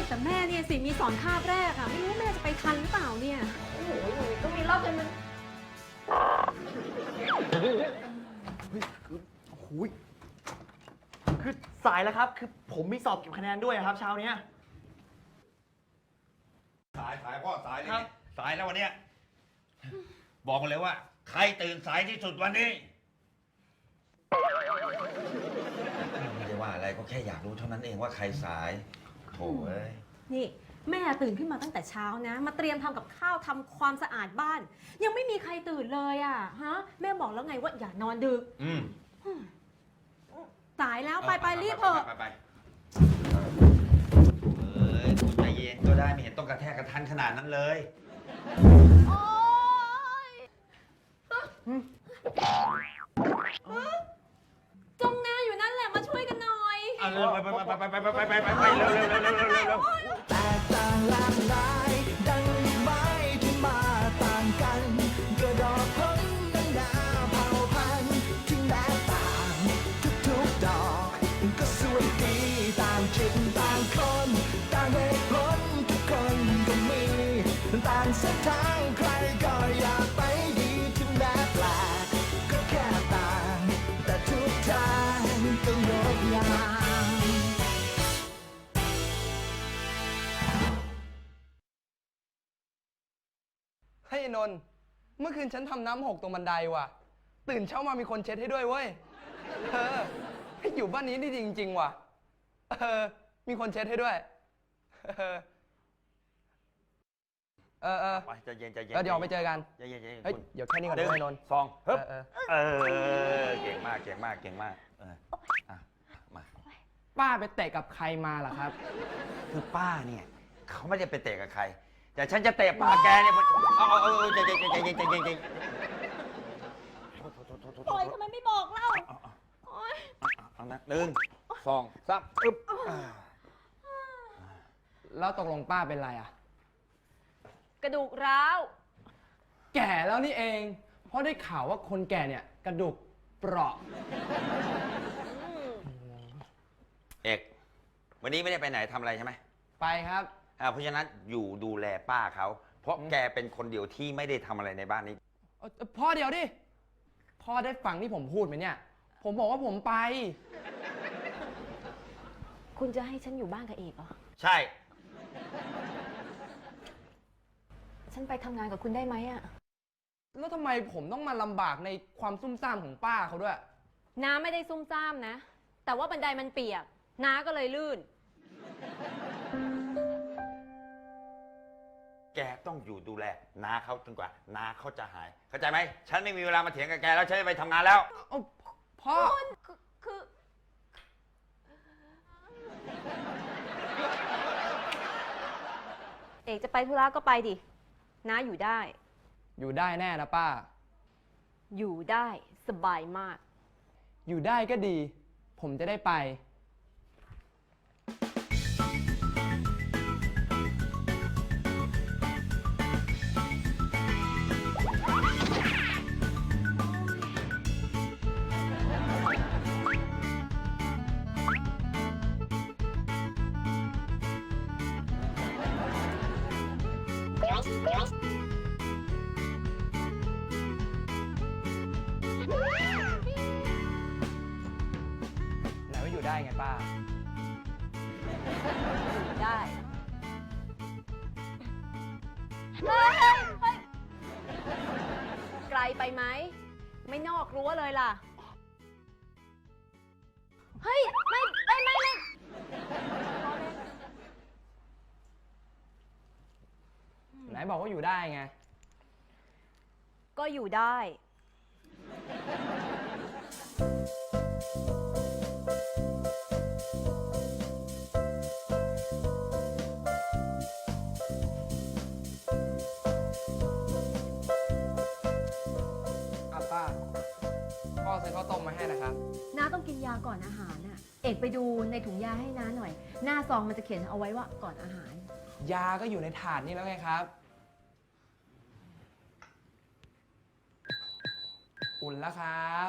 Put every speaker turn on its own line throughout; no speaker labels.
แต่แม่เนี่ยสิมีสอนคาบแรกอะไม่รู้แม่จะไปทันหรือเปล่าเนี่ยโอ้โหหนูก็มีรอบจนมัน
โอ้โหคือสายแล้วครับ คือผมมีสอบเก็บคะแนนด้วยครับเช้าเนี้ย
สายพ่อสายเลย
ครับ
สายแล้ววันเนี้ยบอกมาเลยว่า ใครตื่นสายที่สุดวันนี้ไม่ได้ว่าอะไรก็แค่อยากรู้เท่านั้นเองว่าใครสายโถ่เอ้ย
นี่แม่ตื่นขึ้นมาตั้งแต่เช้านะมาเตรียมทำกับข้าวทำความสะอาดบ้าน ยังไม่มีใครตื่นเลยอะฮะแม่บอกแล้วไงว่าอย่านอนดึก
อืม
สายแล้วไปรีบเถอะ
ไปเอ้ยใจเย็นก็ได้ไม่เห็นต้องกระแทกกระทันขนาดนั้นเลย
โอ๊ยจงนาอยู่นั่นแหละมาช่วยกันหน่อย
เอาเร็วไปเร็วเร็ว
แตกต่างหลากหลายดังไม้ที่มาต่างกันกระดอกพ้นดังนาเผ่าพันธุ์ที่แม้ต่างทุกๆดอกก็สวยดีต่างจิตต่างคนต่างเหตุผลทุกคนก็มีต่างเส้นทางใครก็อยากไปดีถึงแม้แปลกก็แค่ต่างแต่ทุกทางก็งดงาม
เฮ้ยนนท์เมื่อคืนฉันทำน้ำหกตรงบันไดว่ะ ตื่นเช้ามามีคนเช็ดให้ด้วยเว้ยให้อยู่บ้านนี้นี่จริงๆว่ะมีคนเช็ดให้ด้วย
ไปใจเย็นใจเย็น
แล้วเดี๋ยวไปเจอกัน
ใจเย็นใจเย็น
เฮ้ยเดี๋ยวแค่นี้ก่อน
หนึ่ง
ด้วยนนท์
สองฮึบ
เออ
เก่งมากเก่งมากเก่งมากอ่ะมา
ป้าไปเตะกับใครมาล่ะครับ
คือป้าเนี่ยเขาไม่ได้ไปเตะกับใคร แต่ฉันจะเตะป้าแกเนี่ยใจเย็นใจเย็นใจเย็นใจเย็น
ปล่อยทำไมไม่บอกเล่าโอ๊ย
เอานะหนึ่งสองสามอึ๊บ
แล้วตกลงป้าเป็นไรอ่ะ
กระดูกร้าว
แก่แล้วนี่เอง เพราะได้ข่าวว่าคนแก่เนี่ยกระดูกเปราะ
เอกวันนี้ไม่ได้ไปไหนทำอะไรใช่ไหม
ไปครับ
เพราะฉะนั้นอยู่ดูแลป้าเขาเพราะแกเป็นคนเดียวที่ไม่ได้ทำอะไรในบ้านนี้
พ่อเดี๋ยวดิ พ่อได้ฟังที่ผมพูดไหมเนี่ย ผมบอกว่าผมไป
คุณจะให้ฉันอยู่บ้านกับเอกเหรอ
ใช่
ฉันไปทำงานกับคุณได้ไหมอะ
แล้วทำไมผมต้องมาลำบากในความซุ่มซ่ามของป้าเขาด้วย
น้าไม่ได้ซุ่มซ่ามนะ แต่ว่าบันไดมันเปียก น้าก็เลยลื่น
แกต้องอยู่ดูแลน้าเขาจนกว่าน้าเขาจะหาย เข้าใจไหมฉันไม่มีเวลามาเถียงกับแกแล้วฉันจะไปทำงานแล้ว
เอาพ่อ
คือ เอกจะไปธุระก็ไปดิ น้าอยู่ได้
อยู่ได้แน่นะป้า
อยู่ได้สบายมาก
อยู่ได้ก็ดี ผมจะได้ไป ไหนว่าอยู่ได้ไงป้า
อยู่ได้ไกลไปไหม ไม่นอกรั้วเลยล่ะ เฮ้ย ไม่
ไหนบอกว่าอยู่ได้ไง
ก็อยู่ได้
อ่ะป้า พ่อซื้อข้าวต้มมาให้นะครับ
น้าต้องกินยาก่อนอาหารน่ะ เอกไปดูในถุงยาให้น้าหน่อย หน้าซองมันจะเขียนเอาไว้ว่าก่อนอาหาร
ยาก็อยู่ในถาดนี่แล้วไงครับ อุ่นแล้วครับ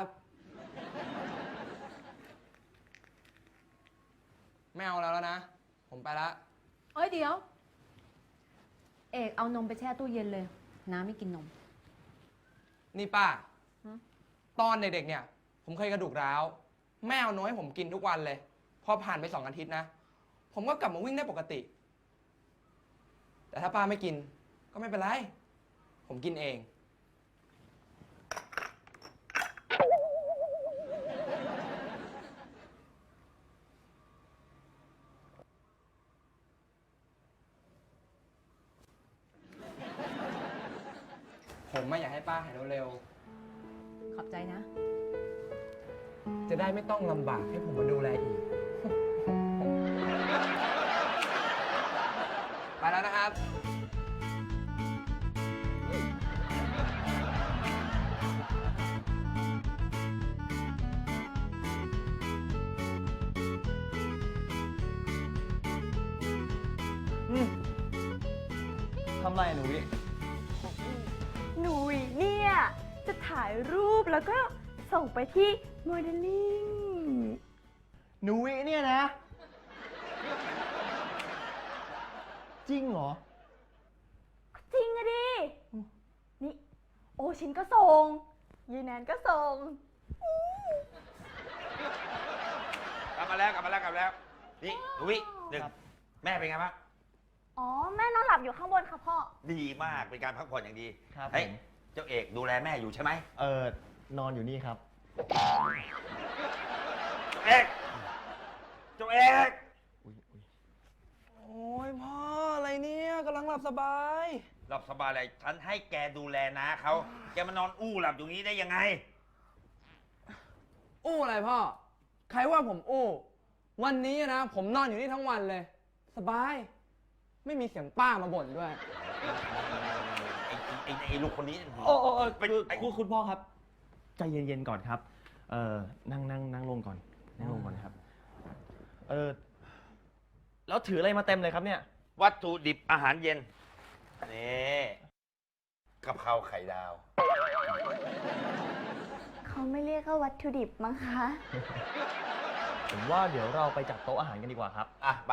ไม่เอาแล้วนะ ผมไปละ
โเอ้ยเดี๋ยว เอกเอานมไปแช่ตู้เย็นเลย น้าไม่กินนม
นี่ป้า
ฮะ
ตอนเด็กๆเนี่ย ผมเคยกระดูกร้าว แม่เอานมให้ผมกินทุกวันเลย พอผ่านไป2 อาทิตย์นะ ผมก็กลับมาวิ่งได้ปกติ แต่ถ้าป้าไม่กินก็ไม่เป็นไร ผมกินเอง ผมไม่อยากให้ป้าหายเร็ว
ขอบใจนะ
ๆ จะได้ไม่ต้องลำบากให้ผมมาดูแลอีก ไปแล้วนะครับ
ทำไรอะหนูวิ
หนูเนี่ยจะถ่ายรูปแล้วก็ส่งไปที่โมเดลลิ่ง
หนูวิเนี่ยนะ จริงเหรอ
จริงอะดิ นี่ โอชินก็ส่งยีแนนก็ส่ง
กลับมาแล้ว นี่หนูวิหนึ่ง
ครับ
แม่เป็นไงบ้าง
อ๋อ แม่นอนหลับอยู่ข้างบนค่ะพ่อ
ดีมาก เป็นการพักผ่อนอย่างดี
ครับ
เฮ้ย
ผม
เจ้าเอกดูแลแม่อยู่ใช่ไหม
นอนอยู่นี่ครับ
เอกเจ้าเอก
อุ๊ย
โอ้ยพ่ออะไรเนี่ยกำลังหลับสบาย
หลับสบายเลยฉันให้แกดูแลนะเขาแกมานอนอู้หลับอยู่นี้ได้ยังไง
อู้อะไรพ่อ ใครว่าผมอู้ วันนี้นะ ผมนอนอยู่นี่ทั้งวันเลย สบาย ไม่มีเสียงป้ามาบ่นด้วย
ไอ้ลูกคนนี้
เป็นคุณพ่อครับ ใจเย็นๆก่อนครับ นั่งลงก่อน นั่งลงก่อนครับ แล้วถืออะไรมาเต็มเลยครับเนี่ย
วัตถุดิบอาหารเย็น นี่กะเพราไข่ดาว
เขาไม่เรียกว่าวัตถุดิบมั้งคะ
ผมว่าเดี๋ยวเราไปจัดโต๊ะอาหารกันดีกว่าครับ
อ่ะ ไป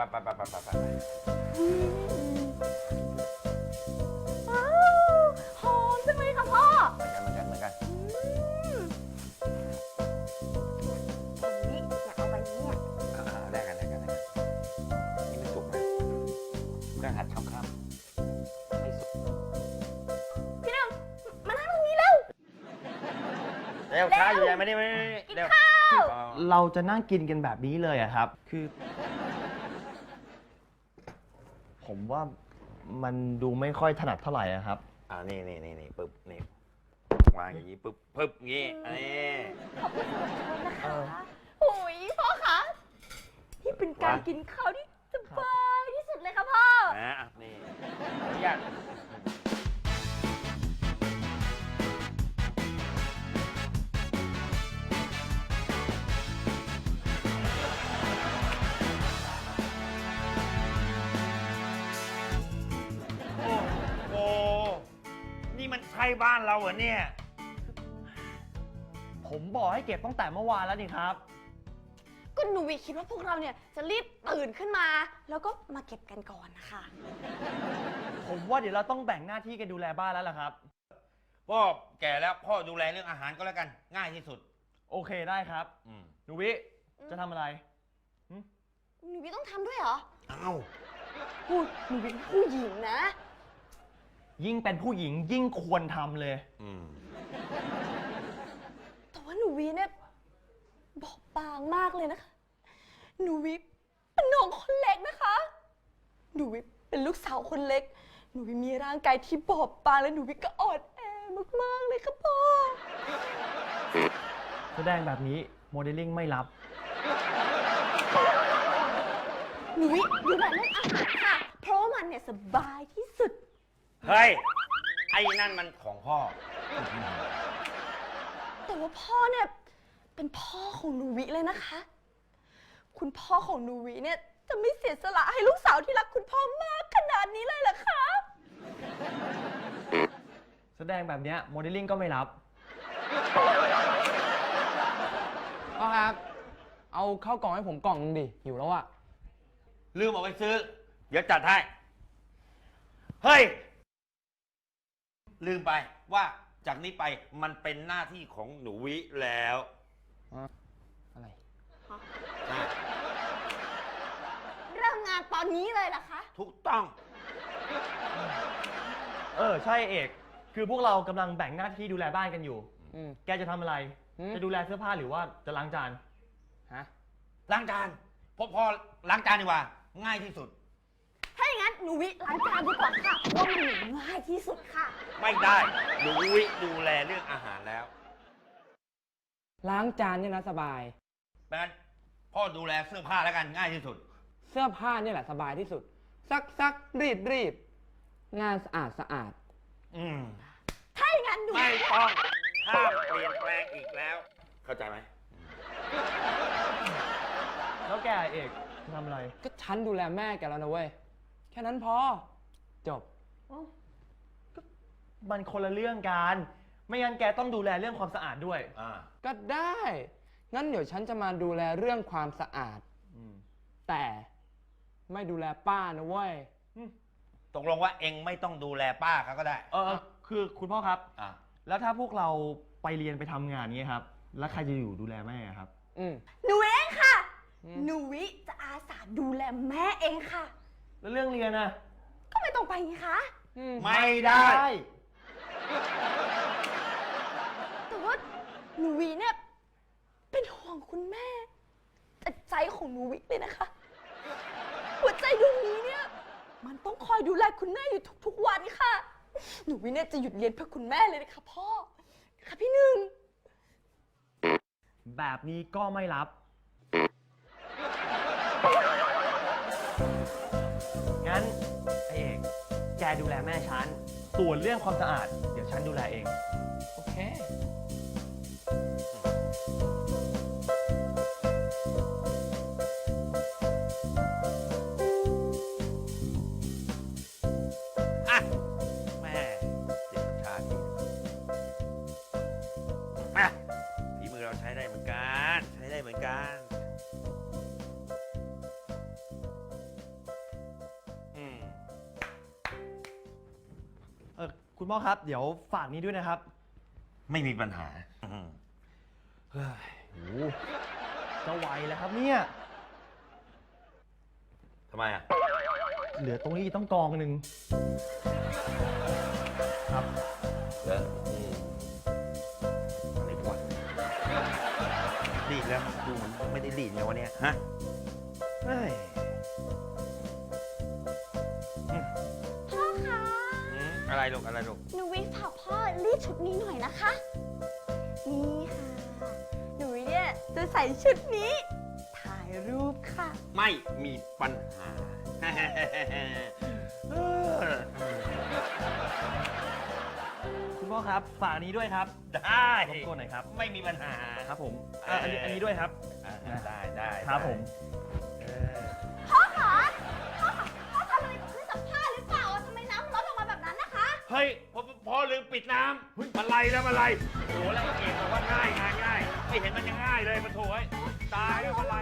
ว้าวหอมจังเลยค่ะพ่อ
เหมือนกัน
แบบนี้อยากเอาไปเนี่ย
แลกกันนี่ไม่สุกนะเพื่อนหัดทำข้ามไม่สุก
พี่หนึ่งมานั่งตรงนี้เร็ว
เร็วช้าอยู่ยังไม่ได้เร็ว
เราจะนั่งกินกันแบบนี้เลยอะครับ คือ ผมว่ามันดูไม่ค่อยถนัดเท่าไหร่อะครับ
นี่ปึ๊บ นี่วางอย่างนี้ปึ๊บงี้อันนี้
ขอบคุณสำหรับชมนะคะโอ้ยพ่อคะนี่เป็นการกินข้าวที่สบายที่สุดเลยค่ะพ่อ
นะนี่ขออนุญาตโอ้นี่มันใช่บ้านเราเหรอเนี่ย
ผมบอกให้เก็บตั้งแต่เมื่อวานแล้วนี่ครับ
ก็หนูวิคิดว่าพวกเราเนี่ยจะรีบตื่นขึ้นมา แล้วก็มาเก็บกันก่อนนะคะ
ผมว่าเดี๋ยวเราต้องแบ่งหน้าที่กันดูแลบ้านแล้วล่ะครับ
พ่อแก่แล้วพ่อดูแลเรื่องอาหารก็แล้วกันง่ายที่สุด
โอเคได้ครับ หนูวิ จะทำอะไร
หนูวิต้องทำด้วยเหรอ
อ้าว
พูดหนูวิเป็นผู้หญิงนะ
ยิ่งเป็นผู้หญิงยิ่งควรทำเลย
แต่ว่าหนูวิเนี่ยบอบบางมากเลยนะคะ หนูวิเป็นน้องคนเล็กนะคะ หนูวิเป็นลูกสาวคนเล็ก หนูวิมีร่างกายที่บอบบางและหนูวิก็อ่อนแอมากๆเลยค่ะพ่อ
แสดงแบบนี้โมเดลลิ่งไม่รับ
หนูวิอยู่แบบเรื่องอาหารค่ะ เพราะว่ามันเนี่ยสบายที่สุด
เฮ้ย ไอ้นั่นมันของพ่อ
แต่ว่าพ่อเนี่ยเป็นพ่อของหนูวิเลยนะคะ คุณพ่อของหนูวิเนี่ยจะไม่เสียสละให้ลูกสาวที่รักคุณพ่อมากขนาดนี้เลยเหรอคะ
แสดงแบบเนี้ยโมเดลลิ่งก็ไม่รับ
พ่อครับ เอาข้าวกล่องให้ผมกล่องนึงดิหิวแล้วอะ
ลืมเอาไปซื้อเดี๋ยวจัดให้ เฮ้ย ลืมไปว่าจากนี้ไปมันเป็นหน้าที่ของหนูวิแล้ว
อะไร
ใช่
เริ่มงานตอนนี้เลยเหรอคะ
ถูกต้อง
ใช่เอก คือพวกเรากำลังแบ่งหน้าที่ดูแลบ้านกันอยู่
อืม
แกจะทำอะไร จะดูแลเสื้อผ้าหรือว่าจะล้างจาน
ฮะ
ล้างจานพอล้างจานดีกว่า ง่ายที่สุด
ถ้าอย่างนั้นหนูวิล้างจานดีกว่าค่ะเพราะว่ามันง่ายที่สุดค่ะ
ไม่ได้หนูวิดูแลเรื่องอาหารแล้ว
ล้างจานเนี่ยนะสบาย
ดังนั้นพ่อดูแลเสื้อผ้าแล้วกันง่ายที่สุด
เสื้อผ้าเนี่ยแหละสบายที่สุด ซักรีด งานสะอาด
อืม
ถ้าอย่างนั้นหนู
ไม่ต้องห้ามเปลี่ยนแปลงอีกแล้ว เข้าใจไหม
แล้วแกเอกจะทำอะไร
ก็ฉันดูแลแม่แกแล้วนะเว้ย แค่นั้นพอ จบ
มันคนละเรื่องกัน ไม่งั้นแกต้องดูแลเรื่องความสะอาดด้วย
ก็ได้ งั้นเดี๋ยวฉันจะมาดูแลเรื่องความสะอาด แต่ไม่ดูแลป้านะเว้ย
ตกลงว่าเองไม่ต้องดูแลป้าเขาก็ได้
คือคุณพ่อครับ
อ่ะ
แล้วถ้าพวกเราไปเรียนไปทำงานเงี้ยครับ แล้วใครจะอยู่ดูแลแม่ครับ
อืม
หนูเองค่ะ
อืม
หนูวิจะอาสาดูแลแม่เองค่ะ
แล้วเรื่องเรียนอะ
ก็ไม่ต้องไปไงคะ
ไม่ได้
แต่ว่าหนูวิเนี่ยเป็นห่วงคุณแม่แต่ใจของหนูวิเลยนะคะ หัวใจดวงนี้เนี่ยมันต้องคอยดูแลคุณแม่อยู่ทุกๆวันค่ะ หนูวิเนี่ยจะหยุดเรียนเพื่อคุณแม่เลยนะคะพ่อ ค่ะพี่หนึ่ง
แบบนี้ก็ไม่รับ งั้นไอเอก แกดูแลแม่ฉัน ส่วนเรื่องความสะอาด เดี๋ยวฉันดูแลเอง
โอเค
อ่ะแม่เจ็บชาติอ่ะฝีมือเราใช้ได้เหมือนกัน ใช้ได้เหมือนกันอืม
คุณพ่อครับ เดี๋ยวฝากนี้ด้วยนะครับ
ไม่มีปัญหาอืม
เฮ้ยโหจะไหวแล้วครับเนี่ย
ทำไมอ่ะ
เหลือตรงนี้ต้องกองหนึ่งครับ
เลิกอะไรวะรีดแล้วดูเหมือนไม่ได้รีดไงวะเนี่ยฮะเฮ้ย
พ่อคะ
อะไรลูกอะไรลูก
หนูวิฝากพ่อรีดชุดนี้หน่อยนะคะ นี่ค่ะ หนูวิเนี่ยจะใส่ชุดนี้ ถ่ายรูปค่ะ
ไม่มีปัญหา เออ
คุณพ่อครับ ฝากนี้ด้วยครับ
ได้
รบกวนหน่อยครับ
ไม่มีปัญหา
ครับผมอันนี้ด้วยครับ
ได้
ครับผม
เออ
พ่อคะพ่อคะพ่อทำอะไรกับเครื่องซักผ้าหรือเปล่าทำไมน้ำมันลดออกมาแบบนั้นนะคะ
เฮ้ยพอลืมปิดน้ำมาไล่แล้วมาไล่โอ้โหแล้วเอกบอกว่าง่ายไม่เห็นมันยังง่ายเลยมันโถยตายแล้วมาไล่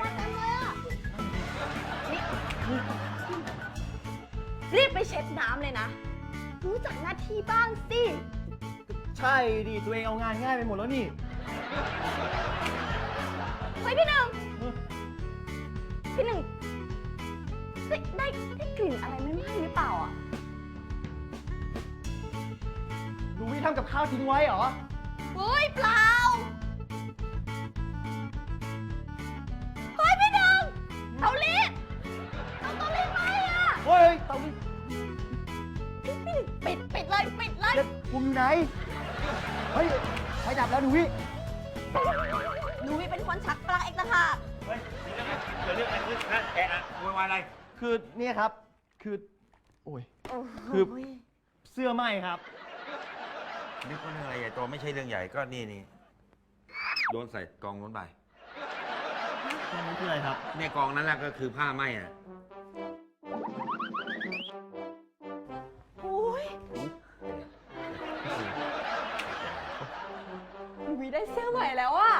รีบไปเช็ดน้ำเลยนะ รู้จักหน้าที่บ้างสิ
ใช่ดิตัวเองเอางานง่ายไปหมดแล้วนี่
เฮ้ยพี่หนึ่งได้กลิ่นอะไรไม่ไหม้หรือเปล่าอ่ะ
หนูวิทำกับข้าวทิ้งไว้เหรอ
เฮ้ยเปล่า เฮ้ยพี่หนึ่งเตารีดไหม้อ่ะ
เฮ้ยเตารีด
พี่หนึ่งปิดเลย
เด็ดผมอยู่ไหน เฮ้ยไฟดับแล้วหนูวิ
หนูเป็นคนชักปลั๊กเองนะคะ
เฮ้ยเดี๋ยวเรื่องอะไรขึ้นนะแอะโวยวายอะไร
คือเนี่ยครับ คือ โอ้ย คือ เสื้อไหม้ครับ
นึกว่าเรื่องอะไรใหญ่โตไม่ใช่เรื่องใหญ่ก็นี่โดนใส่กองนู้นไป
ตรงนี้คืออะไรครับ
เนี่ยกองนั้นแหละก็คือผ้าไหม้อ่ะ
โอ้ยหนูได้เสื้อใหม่แล้วอะ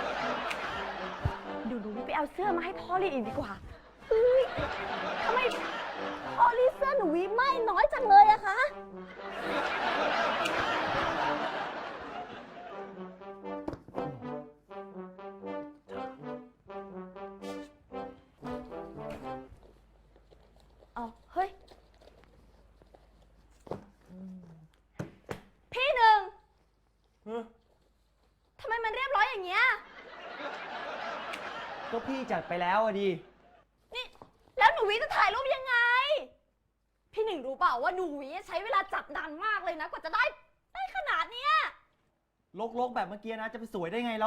เดี๋ยวหนูไปเอาเสื้อมาให้พ่อรีดอีกดีกว่าเฮ้ยทำไมพ่อรีดเสื้อหนูวิไม่น้อยจังเลยอะคะ เอาเฮ้ย พี่หนึ่งทำไมมันเรียบร้อยอย่างเงี้ย
ก็พี่จัดไปแล้วอะดิ
นี่ แล้วหนูวิจะถ่ายรูปยังไง พี่หนึ่งรู้เปล่าว่าหนูวิใช้เวลาจับนานมากเลยนะ กว่าจะได้ขนาดเนี้ย
ลกๆแบบเมื่อกี้นะ จะไปสวยได้ไงแล้ว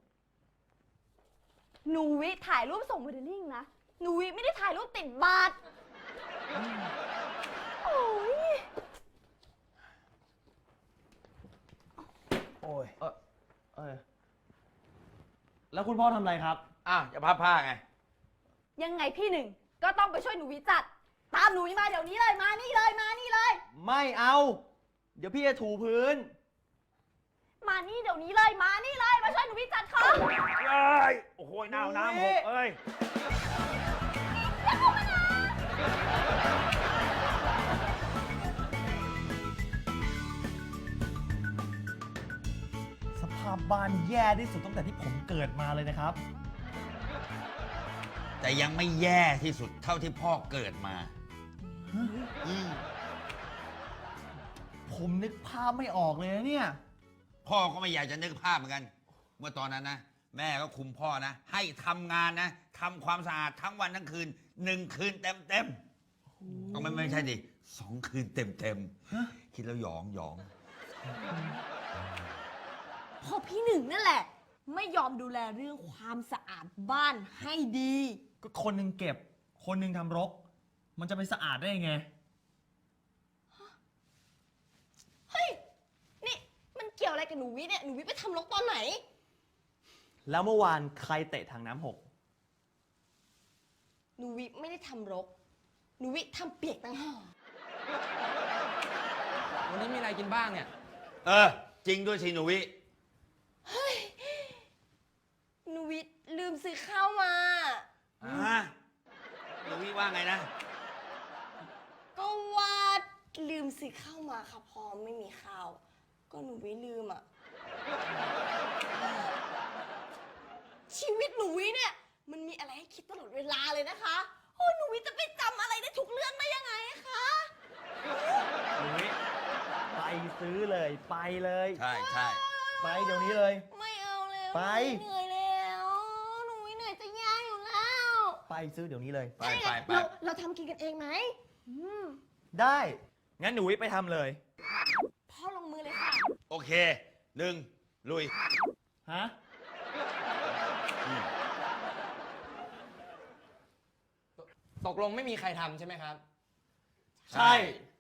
หนูวิถ่ายรูปส่งโมเดลลิ่งนะ หนูวิไม่ได้ถ่ายรูปติดบัตรโอ้ย
โอ้ย แล้วคุณพ่อทำอะไรครับ
อ้าวจะพับผ้าไง
ยังไงพี่หนึ่งก็ต้องไปช่วยหนูวิจัด ตามหนูวิมาเดี๋ยวนี้เลย มานี่เลย มานี่เลย
ไม่เอา เดี๋ยวพี่จะถูพื้น
มานี่เดี๋ยวนี้เลย มานี่เลย มาช่วยหนูวิจัดค่ะ
เอ้ย โอ้โหน้ำหกเอ้ย
สภาพบ้านแย่ที่สุดตั้งแต่ที่ผมเกิดมาเลยนะครับ
แต่ยังไม่แย่ที่สุดเท่าที่พ่อเกิดมาอืม
ผมนึกภาพไม่ออกเลยนะเนี่ย
พ่อก็ไม่อยากจะนึกภาพเหมือนกัน เมื่อตอนนั้นนะ แม่ก็คุมพ่อนะ ให้ทำงานนะทำความสะอาดทั้งวันทั้งคืน1 คืนเต็มก็ไม่ใช่ดิ2 คืนเต็มคิดแล้วหยอง
พอพี่หนึ่งนั่นแหละ ไม่ยอมดูแลเรื่องความสะอาดบ้านให้ดี
ก็คนหนึ่งเก็บ คนหนึ่งทำรก มันจะไปสะอาดได้ยังไง
เฮ้ย นี่มันเกี่ยวอะไรกับหนูวิเนี่ย หนูวิไปทำรกตอนไหน
แล้วเมื่อวานใครเตะถังน้ำหก
หนูวิไม่ได้ทำรก หนูวิทำเปียกต่างหาก
วันนี้มีอะไรกินบ้างเนี่ย
จริงด้วยสิหนูวิ
หนูวิลืมซื้อข้าวมา
หนูวิว่าไงนะ
ก็ว่าลืมซื้อข้าวมาค่ะพอไม่มีข้าว ก็หนูวิลืมอ่ะ ชีวิตหนูวิเนี่ย มันมีอะไรให้คิดตลอดเวลาเลยนะคะ โอ้หนูวิจะไปจำอะไรได้ทุกเรื่องได้ยังไงคะ
ไปซื้อเลย ไปเลย
ใช่
ไปเดี๋ยวนี้เลย
ไม่เอาแล้ว
ไป
หนูเหนื่อยแล้ว หนูวิเหนื่อยจะแย่อยู่แล้ว
ไปซื้อเดี๋ยวนี้เลย
ไป
เราทำกินกันเองไหม
ได้ งั้นหนูวิไปทำเลย
พ่อลงมือเลยค่ะ
โอเค1ลุย
ฮะ
ตกลงไม่มีใครทำใช่ไหมครับ
ใช่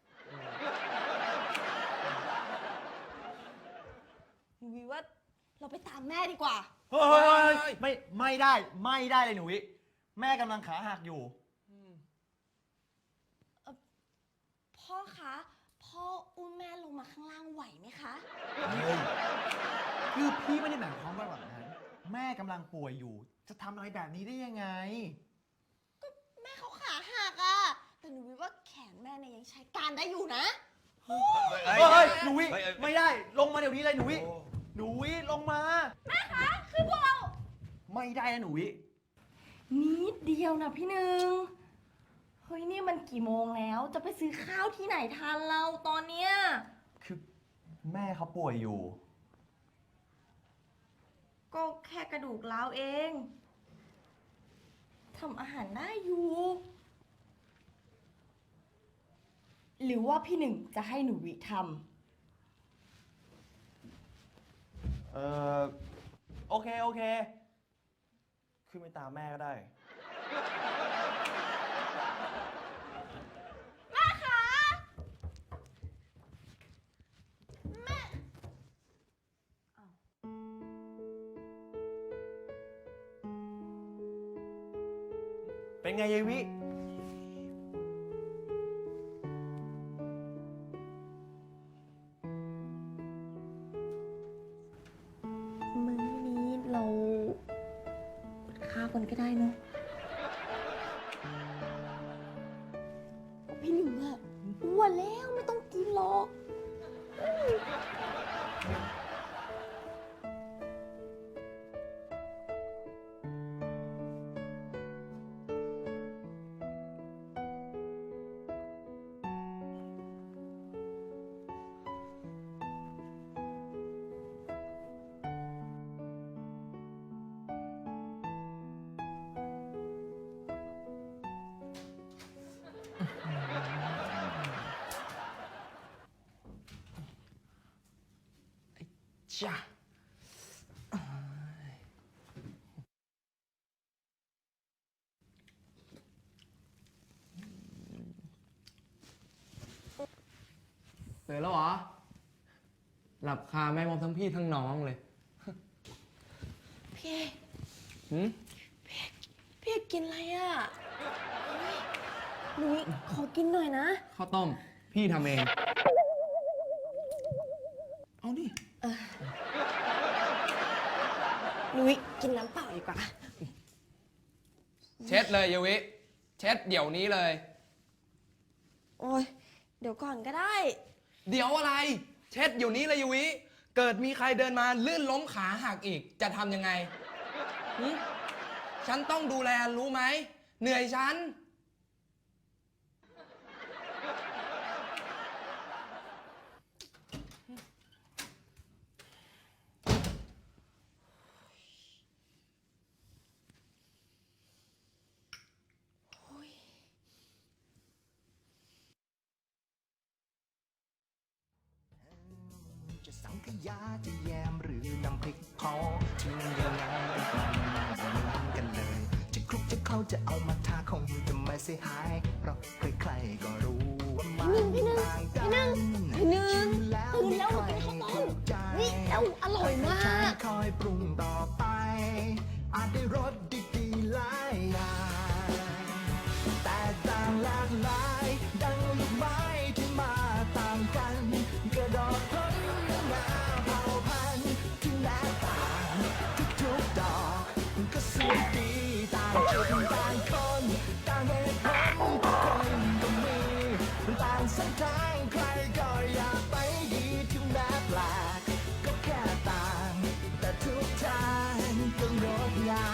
หนูวิว่าเราไปตามแม่ดีกว่า
เฮ้ย ไม่ได้เลยหนูวิ แม่กำลังขาหักอยู่
พ่อคะ พ่ออุ้มแม่ลงมาข้างล่างไหวไหมคะ
คือพี่ไม่ได้หมายความว่าแบบนั้น แม่กำลังป่วยอยู่ จะทำอะไรแบบนี้ได้ยังไง
แม่เขาขาหักอะแต่หนูวิว่าแขนแม่เนี่ยยังใช้การได้อยู่นะ
เฮ้ย หนูวิ ไม่ได้ ลงมาเดี๋ยวนี้เลยหนูวิ หนูวิลงมา
แม่คะ คือพวกเรา
ไม่ได้นะหนูวิ
นิดเดียวนะพี่หนึ่ง เฮ้ยนี่มันกี่โมงแล้ว จะไปซื้อข้าวที่ไหนทานเราตอนเนี้ย
คือแม่เขาป่วยอยู่
ก็แค่กระดูกร้าวเอง ทำอาหารได้อยู่ หรือว่าพี่หนึ่งจะให้หนูวิท
เออโอเค ขึ้นไปตามแม่ก็ได้
ำแม่คะ แม่
เป็นไงยายวิ
มื้อนี้เราอดข้าวกันก็ได้เนอะพี่อ้วนแล้วไม่ต้องกินหรอก
จ้าตื่นแล้วเหรอ หลับคาแม่มอมทั้งพี่ทั้งน้องเลย
พี่
หืม
พี่กินอะไรอ่ะหนูขอกินหน่อยนะ
ข้าวต้ม พี่ทำเอง เอาดิ
หนูกินน้ำเปล่าดีกว่า
เช็ดเลยเยวิ เช็ดเดี๋ยวนี้เลย
โอ้ยเดี๋ยวก่อนก็ได้
เดี๋ยวอะไร เช็ดเดี๋ยวนี้เลยเยวิ เกิดมีใครเดินมาลื่นล้มขาหักอีก จะทำยังไงหึฉันต้องดูแลรู้ไหม เหนื่อยฉัน
จะสังขยาจะแยมหรือน้ำพริกเผาถึงยังไงก็ไม่เหมือนกันเลย จะคลุกจะเข้าจะเอามาทาคงจะไม่เสียหายเพราะใครๆก็รู้ว่ามันต่างกัน
พี่หนึ่ง
ชิมแล้ว
ตื่นแล้ว
ไม่
กิน
ค่
ข้า
อ
วย ต้ม
ถูกใจ
นี่แล้วอร่อยมาก
คอยปรุงต่อไป อาจได้รสดีๆหลายอย่างแต่ต่างหลากหลาย ดังลูกไม้ที่มาต่างกันกระดอกพ้นหน้าเผ่าพันธุ์ที่แตกต่างทุกๆดอกก็สวยดีต่างจุดต่างคนต่างเหตุผลทุกคนก็มีต่างเส้นทางใครก็อยากไปดีถึงแม้แปลกก็แค่ต่างแต่ทุกทางก็งดงาม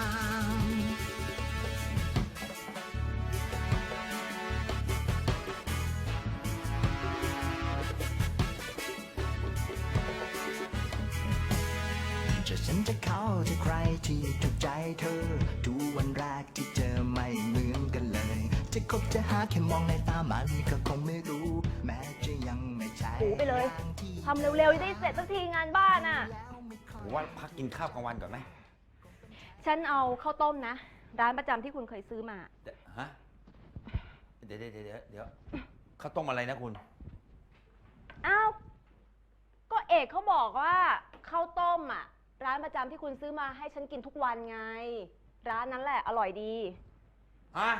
จะฉันจะเข้าจะใครที่ถูกใจเธอทุกวันแรกที่เจอไม่เหมือนกันเลย จะคบจะหาแค่มองในตามันก็คงไม่รู้ แม้จะยังไม่ใช่
หูไปเลย
างที่
ทำเร็วๆจะได้เสร็จสักทีงานบ้านอ่ะ
ผมว่าพักกินข้าวกลางวันก่อนไหม
ฉันเอาข้าวต้มนะ ร้านประจำที่คุณเคยซื้อมา
ฮะ เดี๋ยวข้าวต้มอะไรนะคุณ
อ้าว ก็เอกเขาบอกว่าข้าวต้มอ่ะ ร้านประจำที่คุณซื้อมาให้ฉันกินทุกวันไง ร้านนั้นแหละอร่อยดี
ฮะ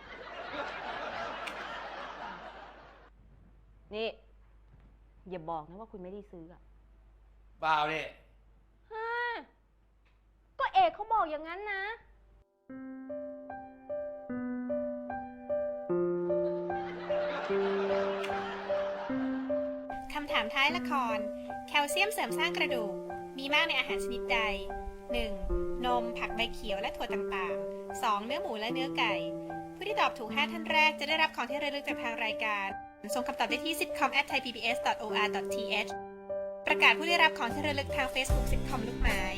นี่ อย่าบอกนะว่าคุณไม่ได้ซื้ออ่ะ
เปล่านี่
ฮะก็เอกเขาบอกอย่างนั้นนะ
คำถามท้ายละคร แคลเซียมเสริมสร้างกระดูก มีมากในอาหารชนิดใด 1. นม ผักใบเขียวและถั่วต่างๆ 2. เนื้อหมูและเนื้อไก่ ผู้ที่ตอบถูก 5 ท่านแรกจะได้รับของที่ระลึกจากทางรายการ ส่งคำตอบได้ที่ sitcom@thaipbs.or.th ประกาศผู้ได้รับของที่ระลึกทาง Facebook sitcom ลูกไม้